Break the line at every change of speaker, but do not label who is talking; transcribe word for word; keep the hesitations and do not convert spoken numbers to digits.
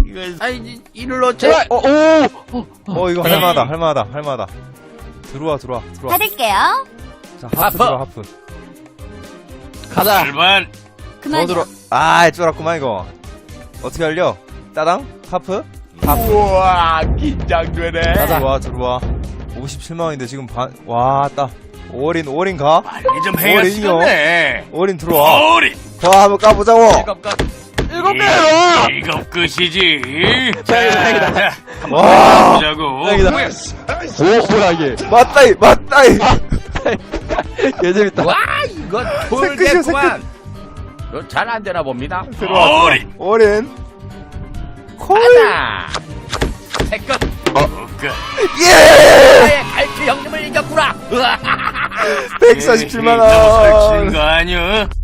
이거 아이 이를 어째?
어, 오!
어 이거 할만하다 할만하다 할만하다. 들어와 들어와 들어와.
받을게요.
자 하프
하프.
들어 하프.
가자.
일반
더
그만요.
들어. 아 쫄았구만 이거. 어떻게 할려? 따당 하프. 하프.
우와 긴장되네.
들어와 들어와. 오십칠만 원인데 지금 반. 와 따. 올인 올인 가.
빨리 좀 해야
어린이요.
시간네.
올인 들어와.
어린.
더 한번 까보자고.
일곱 끝.
일곱 개로!
일곱 끝이지.
다행이다, 다행이다.
와.
보자고.
다행이다. 오, 뭐야, 이게.
맞다이 맞다이.
개재밌다.
와 이거
새끝이야,
돌겠구만. 이거 잘 안 되나 봅니다.
들어와.
어린.
올인. 콜.
하나. 세 끝.
어.
끝.
예.
나의 갈치 형님을 이겼구나.
백사십칠만
너무
원.
설치는 거 아니야?